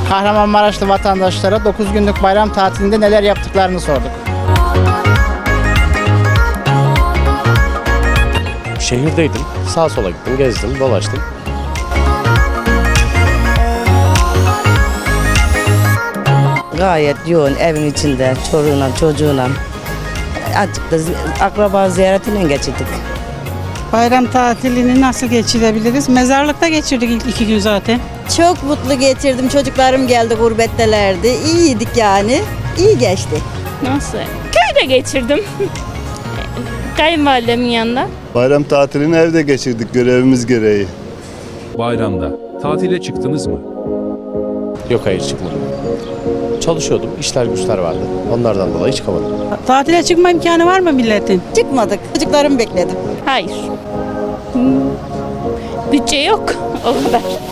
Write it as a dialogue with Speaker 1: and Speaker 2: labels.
Speaker 1: Kahramanmaraşlı vatandaşlara 9 günlük bayram tatilinde neler yaptıklarını sorduk.
Speaker 2: Şehirdeydim. Sağa sola gittim, gezdim, dolaştım.
Speaker 3: Gayet yoğun evin içinde çocuğuna çocuğuna. Azıcık da akraba ziyaretiyle geçirdik.
Speaker 4: Bayram tatilini nasıl geçirebiliriz? Mezarlıkta geçirdik ilk 2 gün zaten.
Speaker 5: Çok mutlu geçirdim. Çocuklarım geldi, gurbettelerdi. İyiydik yani. İyi geçti.
Speaker 6: Nasıl? Köyde geçirdim. Kayınvalidemin yanında.
Speaker 7: Bayram tatilini evde geçirdik görevimiz gereği.
Speaker 8: Bayramda tatile çıktınız mı?
Speaker 2: Yok, hayır, çıkmadım. Çalışıyordum, işler güçler vardı. Onlardan dolayı çıkamadım.
Speaker 4: Tatile çıkma imkanı var mı milletin?
Speaker 5: Çıkmadık. Çocuklarımı bekledim.
Speaker 6: Hayır. Bütçe yok. O kadar.